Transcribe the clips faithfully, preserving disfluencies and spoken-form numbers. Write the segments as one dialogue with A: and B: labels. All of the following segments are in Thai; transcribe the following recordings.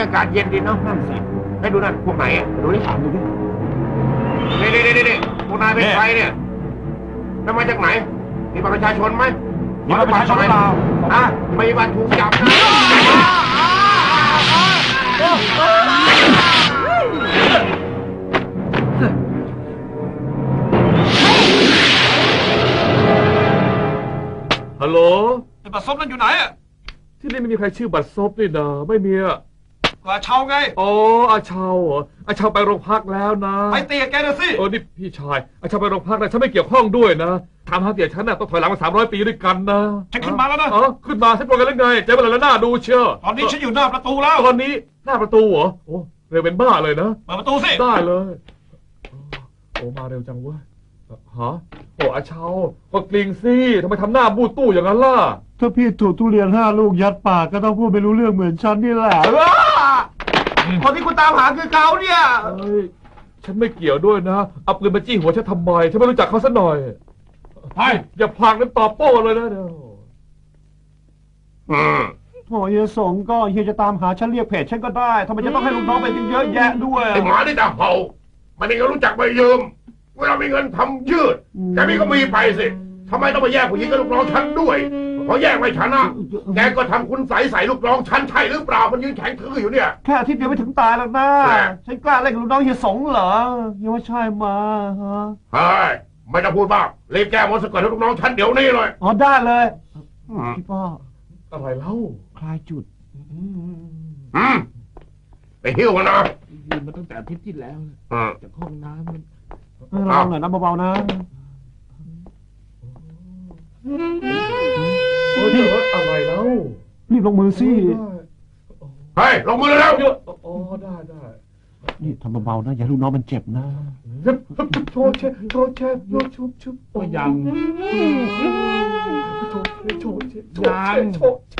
A: ากาศเย็นดีเนาะนั่นสิให้ดูนั่นพวกไหนดูดิดูดินี่นี่นี่นี่พวกนายเป็นใครเนี่ยแล้วมาจากไหนมีบัตรประชาชนไหม
B: มีบัตรประชาชนเปล่า
A: อ่ะไม่มีบัตรถูกจับนะ
C: ฮัลโหล
B: ไอ้บัตรซบนั่นอยู่ไหนอ่ะ
C: ที่นี่ไม่มีใครชื่อบัตรซบนี่นะไม่มีอ่ะ
B: ก็อาเชาไง
C: อ๋ออาเชาเหรออาเชาไปโรงพักแล้วนะ
B: ไปเตียแกนะสิ
C: เออนี่พี่ชายอาเชาไปโรงพักนะฉันไม่เกี่ยวข้องด้วยนะทำหาเตียฉันน่ะต้องถอยหลังมาสามร้อยปีด้วยกันนะ
B: ฉันขึ้นมาแล้วนะ
C: เออขึ้นมาฉันบอกกันแล้วไงใจมันแล้วหน้าดูเชียว
B: ตอนนี้ฉันอยู่หน้าประตูแล้ว
C: ตอนนี้หน้าประตูเหรอโอ้เร็วเป็นบ้าเลยนะ
B: เปิดประตูสิ
C: ได้เลยโอ้มาเร็วจังเว้ยฮะโอ้อาเชาก็กลิ้งสิทำไมทำหน้าบูดตู้อย่างนั้นล่ะ
D: ถ้าพี่ถูกทุเรียนห้าลูกยัดปากก็ต้องพูดไม่รู้เรื่องเหมือนฉันนี่แหละ
A: คนที่คุณตามหาคือเขาเนี่ย
C: เฮ้ยฉันไม่เกี่ยวด้วยนะเอาปืนมาจี้หัวฉันทำไมฉันไม่รู้จักเขาซะหน่อย
B: เฮ้ย
C: อย่าพากนั้นตอบโต้เลยนะเดี๋ยว
D: โอ้ยสงก็เฮียจะตามหาฉันเรียกเพจฉันก็ได้ทำไมจะต้องให้ลูกน้องไปเยอะแยะด้วย
A: ไอ้หมาที่ตาเห่ามันเองก็รู้จักไปยืมเวลามีเงินทำยืดแต่พี่ก็มีไปสิทำไมต้องไปแยกผู้หญิงกับลูกน้องฉันด้วยพอแยกไม่ชนะแกก็ทำคุณใสใส่ลูกน้องฉันใช่หรือเปล่ามันยืนแข็งทื่ออยู่เนี่ย
D: แค่อาทิตย์เดียวไม่ถึงตายแล้วนะฉันกล้าเล่นกับลูกน้องเฮียสงเหรอยังไม่ใช่มาฮะ
A: เฮ้ยไม่ต้องพูดบ้างรีบแก้มดสะกดให้ลูกน้องฉันเดี๋ยวนี้เลย
D: อ๋อได้เลยพี่ป้อ
C: อะไรเล่า
D: คลายจุด
A: อืมไปหิ้วมันนะ
C: ยืนมาตั้งแต่อาทิตย์ที่แล้วจากห้องน้ำมัน
D: ลองหน่อยนะเบาๆนะ
C: เฮ้ยอะไรแล้ว
D: รีบลงมือสิ
A: เฮ้ยลงมือแล้ว
C: อ๋อได้ได้
D: นี่ทำเบาๆนะอย่าลูกน้องมันเจ็บนะ
C: โชว์เชโชว์เชโชว์ชุบชุบ
B: ก็ยัง
C: โชว์เชโชว์เชโชว์เชโชว์เช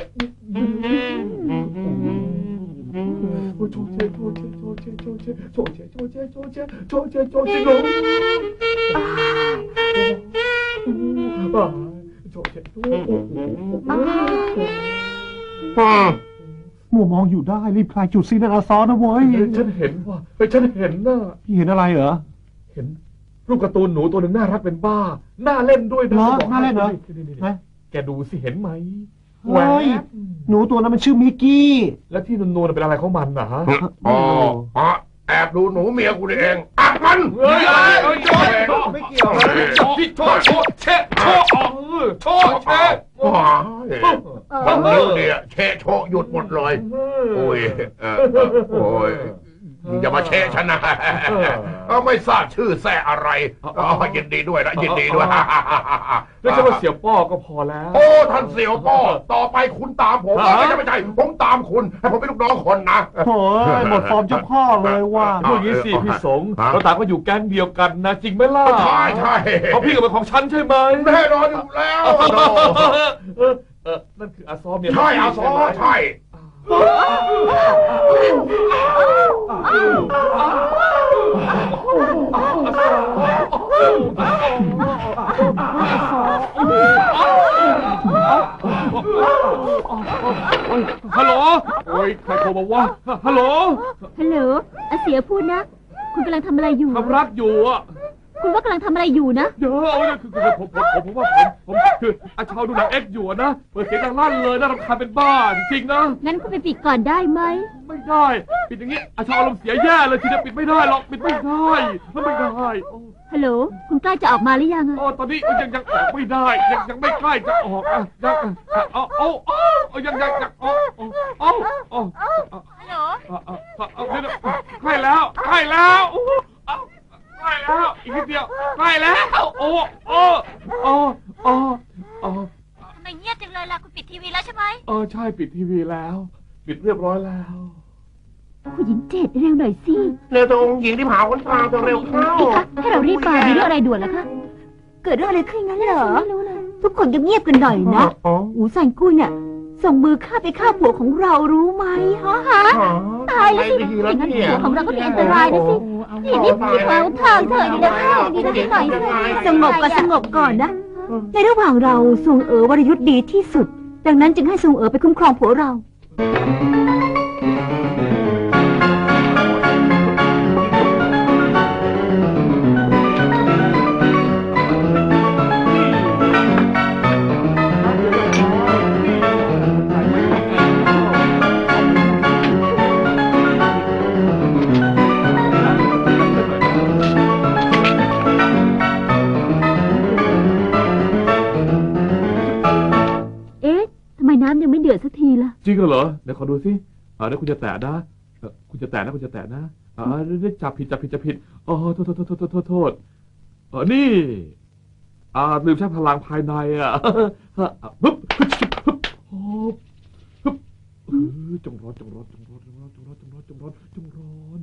C: โชว์เชโชว์เชโชว์เชโชว์เชโชว์เชโชว์เชโชว์เชโชว์เชโชว์เชโชว์
D: มัวมองอยู่ได้รีบคลายจุดซีนาซอนะเว้ย
C: ฉันเห็นว่าไปฉันเห็นนะ
D: พี่เห็นอะไรเหรอ
C: เห็นรูปการ์ตูนหนูตัวหนึ่งน่ารักเป็นบ้าน่าเล่นด้วยนะ
D: น่าเล่นเหรอ
C: แกดูสิเห็นไหม
D: เฮ้ยหนูตัวนั้นมันชื่อมิกกี้
C: แล้วที่นูนๆเป็นอะไรของมันนะฮะ
A: อ๋อแอบดูหนูเมียกูเองอัดมัน
C: เฮ้ยเฮ้ยโชว์ไม่เกี่ยวพี่โชว์โชว์เชะโชว์โชว์เชะ
A: บางเรื่องเนี่ยเชะโชว์หยุดหมดเลยโอ้ยโอ้ยอย่ามาเชะฉันนะไม่ทราบชื่อแซ่อะไรยินดีด้วยนะยินดีด้วย
C: ไม่ใช่ว่าเสี่ยวป้อก็พอแล้ว
A: โอ้ท่านเสี่ยวป้อต่อไปคุณตามผมไม่ใช่ไม่ใช่ผมตามคุณให้ผมเป็นลูกน้องคนนะ
D: โอ้ยหมดฟอร์มเจ้าพ่อเลยว่า
C: พูดงี้สิพี่สงเราต่างก็อยู่แก๊งเดียวกันนะจริงไหมล่ะ
A: ใช่ใช่
C: เขาพี่กับเป็นของฉันใช่ไหม
A: แน่นอนอยู่แล้ว
C: นั่นคืออาซอมเนี่ย
A: ใช่อาซอมใช่
C: ฮัลโหลโอ้ยใครโทรมาว่าฮัลโหล
E: ฮัลโหลอาเสียพูดนะคุณกำลังทำอะไรอยู่
C: ทำรักอยู่อ่ะ
E: คุณว่ากำลังทำอะไรอยู่นะ
C: เดี๋ยวเอาเนี่ยคือผมผมผมผมว่าผมผมคืออาชาวดูหนังเอ็กซ์อยู่นะเปิดเสียงดังลั่นเลยน่ารำคาญเป็นบ้าจริงๆนะ
E: งั้นคุณไปปิดก่อนได้ไหม
C: ไม่ได้ปิดอย่างงี้อาชาวอารมณ์เสียแย่เลยทีเดียวปิดไม่ได้หรอกปิดไม่ได้ไม่ได้
E: ฮัลโหลคุณใกล้จะออกมาหรือยัง
C: อ๋อตอนนี้ยังยังออกไม่ได้ยังยังไม่ใกล้จะออกอ่ะยังเอาเอาเอายังยังยังเอาเอาเอา
E: ฮัลโหล
C: เอาเดี๋ยวใกล้แล้วใกล้แล้วใกล้แล้วอีกนิดเดียวใกล้แล้วโอ้โอ้โอ้โอ้โอ้
E: ทำไมเงียบจังเลยล่ะคุณปิดทีวีแล้วใช่ไหม
C: เออใช่ปิดทีวีแล้วปิดเรียบร้อยแล้ว
E: ผู้หญิงเจ็ดเร็วหน่อยสิ
A: เร็วตรงหญิงที่ผาคนตาจะเร็วเข้า
E: พี่คะให้เรารีบไปมีเรื่องอะไรด่วนล่ะคะเกิดเรื่องอะไรขึ้นงั้นเหรอไม่รู้เลยทุกคนเงียบกันหน่อยนะอูซันกุ้ยเนี่ยส่งมือฆ่าไปฆ่าผัวของเรารู้ไหมฮะฮะตายแล้วสิอย่างนั้นผัวของเราก็มีอันตรายนะสิทีนี้เราทางเธอดีนะเข้าดีนะหน่อยสงบก็สงบก่อนนะในระหว่างเราทรงเอ๋อวรยุทธ์ดีที่สุดดังนั้นจึงให้ทรงเอ๋อไปคุ้มครองผัวเรา
C: งเหรอเดี๋ยวขอดูสิอ่าเดี๋ยวคุณจะแตะนะเอ่อคุณจะแตะนะคุณจะแตะนะอ่าเดี๋ยวจับผิดจับผิดจับผิดอ๋อโทษโทษโทษโทษโทษโทษโทษเออนี่อ่าลืมใช้พลังภายในอ่ะฮึบฮึบฮึบฮึบฮึบเออจงร้อนจงร้อนจงร้อนจงร้อนจงร้อนจงร้อนจงร้อนจงร้อน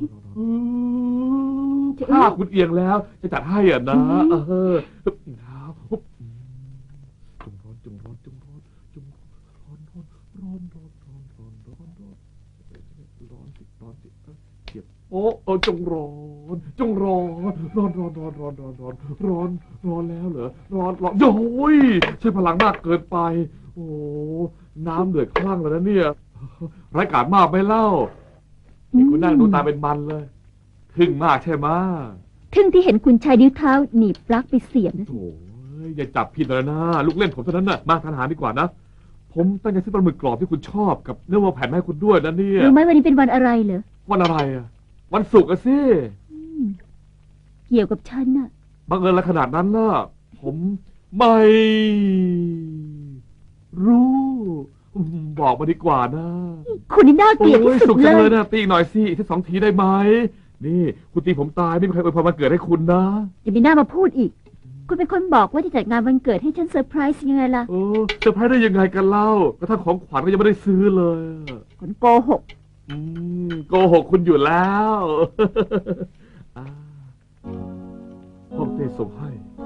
C: ถ้าคุณเอียงแล้วจะจัดให้อ่ะนะเออฮึบครับฮึบจงร้อนจงร้อนจงร้อนจงร้อนร้อนร้อนร้อนร้อนร้อนร้อนร้อนร้อนสิร้อนสิเจ็บโอ้โอ้จงร้อนจงร้อนร้อนร้อนร้อนร้อนร้อนร้อนร้อนร้อนแล้วเหรอร้อนร้อนโอ้ยใช้พลังมากเกินไปโอ้น้ำเดือดคลั่งแล้วนะเนี่ยไร้กาจมากไม่เล่านี่คุณนั่งดูตาเป็นมันเลยทึ่งมากใช่ไหม
E: ทึ่งที่เห็นคุณชายนิ้วเท้าหนีบปลั๊กไปเสียบนะสิ
C: โอ้ยอย่าจับผิดเลยนะลูกเล่นผมเท่านั้นน่ะมาทานอาหารดีกว่านะผมตั้งใจซื้อปลาหมึกกรอบที่คุณชอบกับเนื้อวัวแผ่นมาให้คุณด้วยนะเนี่ย
E: รู้ไหมวันนี้เป็นวันอะไรเหรอ
C: วันอะไรอ่ะวันศุกร์อะสิ
E: อืมเกี่ยวกับฉันน่ะ
C: บังเอิญอะไรขนาดนั้นล่ะผมไม่รู้อืมบอกมาดีกว่านะ
E: คุณนี่น่าเกลียด
C: โอ้
E: ที่
C: ย
E: สุ
C: สุ
E: ด
C: ก
E: เล
C: จังเลย ยนะตีอีกหน่อยสิอีกสักสองทีได้ไหมนี่คุณตีผมตายไม่มีใครอวยพรวันเกิดให้คุณนะ
E: อย่ามีหน้ามาพูดอีก คุณเป็นคนบอกว่าจะจัดงานวันเกิดให้ฉันเซอร์ไพรส์ยังไงล่ะ
C: เออเซอร์ไพรส์ได้ยังไงกันเล่ากระทั่งของขวัญก็ยังไม่ได้ซื้อเลยอะ
E: คนโกหก
C: อืมโกหกคุณอยู่แล้ว อ่าห้องเต้ส่งให้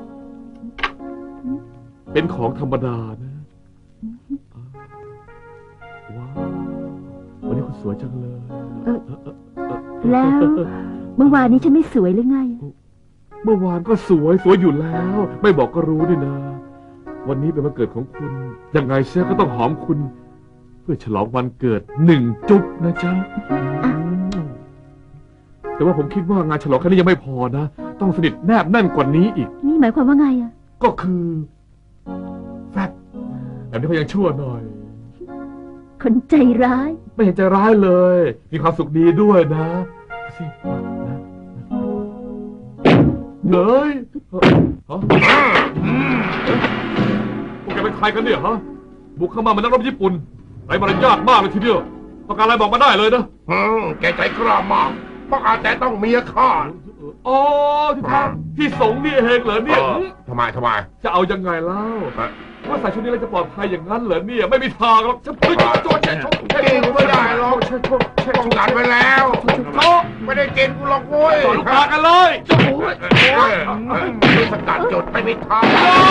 C: เป็นของธรรมดานะอ่าว้าววันนี้คุณสวยจังเลย
E: เออ แล้ว เมื่อวานนี้ฉันไม่สวยหรือไง
C: เมื่อวานก็สวยสวยอยู่แล้ว ไม่บอกก็รู้นี่นะ วันนี้เป็นวันเกิดของคุณ ยังไงเสียก็ต้องหอมคุณ เพื่อฉลองวันเกิดหนึ่งจุ๊บนะจ๊ะอืมแต่ว่าผมคิดว่างานฉลองครั้งนี้ยังไม่พอนะ ต้องสนิทแนบแน่นกว่านี้อีก
E: นี่หมายความว่าไงอะ
C: ก็คือแฟบแบบนี้เขายังชั่วหน่อย
E: คนใจร้าย
C: ไม่เห็นใจร้ายเลย มีความสุขดีด้วยนะสิมานะเนยเอ้อฮะพวกแกเป็นใครกันเนี่ยฮะ บุกเข้ามาเหมือนนักรบญี่ปุ่นไรมารยาทมากเลยทีเดียวต้องการอะไรบอกมาได้เลยนะ
A: อืมแกใจกล้ามากต้องอาจแต่ต้องเมียข้า
C: อ๋อที่ทางที่สงนี่เองเหรอเนี่ย
A: เออทำไมทำไม
C: จะเอายังไงเล่า
A: ฮะ
C: ว่าใส่ชุดนี้แล้วจะปลอดภัยอย่างนั้นเหรอเนี่ยไม่มีทางหรอกจะพึ่งโจรแช่ชก
A: กินกูไม่ได้หรอกป้องกันไว้แล้วไม่ได้กินกูหรอกโว้ย
C: ต่อลูกค้ากันเลยจะโอ้ย
A: เออเออมีสกัดจุดไม่มีทาง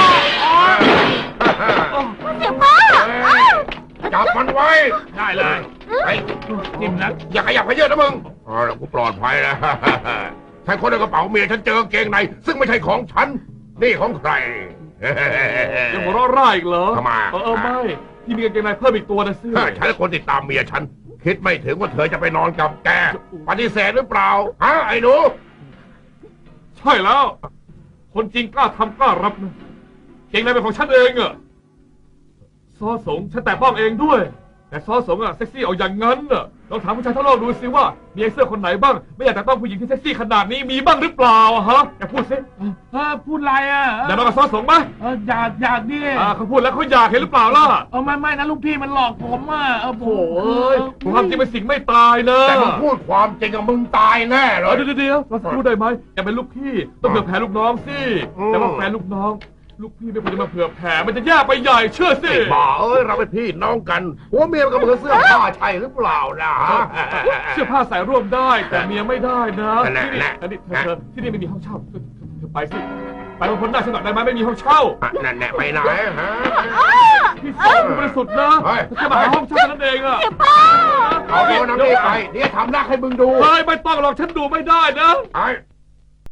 E: เสียพ่อ
A: จับมันไว้
C: ได้เลย
A: ไอ้นิ่มนะอย่าขยับขยื่นนะมึงอ๋อแล้วกูปลอดภัยแล้วใช้คนในกระเป๋าเมียฉันเจอกางเกงในซึ่งไม่ใช่ของฉันนี่ของใคร
C: ยังหัวเราะร่ายอีกเหรอ
A: ทำไม
C: เออเออไม่ที่มีกางเกงในเพิ่มอีกตัวนะสิ
A: ถ้าฉันคนติดตามเมียฉัน คิดไม่ถึงว่าเธอจะไปนอนกับแก ปฏิเสธหรือเปล่าฮะไอ้หนู
C: ใช่แล้ว คนจริงกล้าทำกล้ารับนะเกงในเป็นของฉันเองอะซอสงฉันแต่ป้องเองด้วย แต่ซอสงอะเซ็กซี่เอาอย่างนั้นอะลองถามผู้ชายทั้งโลกดูสิว่ามีไอ้เสื้อคนไหนบ้าง ไม่อยากแต่ต้องผู้หญิงที่เซ็กซี่ขนาดนี้มีบ้างหรือเปล่าอะฮะแกพูดสิ
D: เออพูดอะไรอ่ะ
C: อยากนอนกับซอสงไหม
D: เอออยากอยากดิ
C: อ่าเขาพูดแล้วเขาอยากเห็นหรือเปล่าล่ะ
D: เออไม่ไม่นะลูกพี่มันหลอกผมอ่ะเออผม
C: โอ้ยความจริงเป็นสิ่งไม่ตายนะ
A: แต่มึงพูดความจริงกับมึงตายแน่เล
C: เอย อเดี๋ยวเดี๋ยวเราพูดได้ไหมอย่าเป็นลูกพี่ต้องเผื่อแผ่ลูกน้องสิ
A: อืม
C: แต่ว่าแฟนลูกน้อง ลูกพี่ไม่ควรจะมาเผื่อแผ่มันจะแย่ไปใหญ่เชื่อสิ
A: ไอ้บ้าเอ้ยเราเป็นพี่น้องกันหัวเมียมันก็เหมือนเสื้อผ้าใช่หรือเปล่านะ
C: เสื้อผ้าใส่ร่วมได้แต่เมียไม่ได้นะ
A: นั่นแหละ
C: ที่นี่
A: นั่นแหละ
C: อันนี้เธอเธอที่นี่ไม่มีห้องเช่าเธอเธอไปสิไปบางคนได้ฉันหน่อยได้ไหมไม่มีห้องเช่า
A: นั่นแหละไปไหนฮะ
C: พี่สาวบริสุทธิ์นะ
A: เฮ้ย
C: แค่มาหาห้องเช่าเท่านั้นเองอะ
A: เอาตัวน้ำนี่ไปเดี๋ยวทำหน้าให้มึงดู
C: เฮ้ยไม่ต้องหรอกฉันดูไม่ได้นะ
A: ไอ้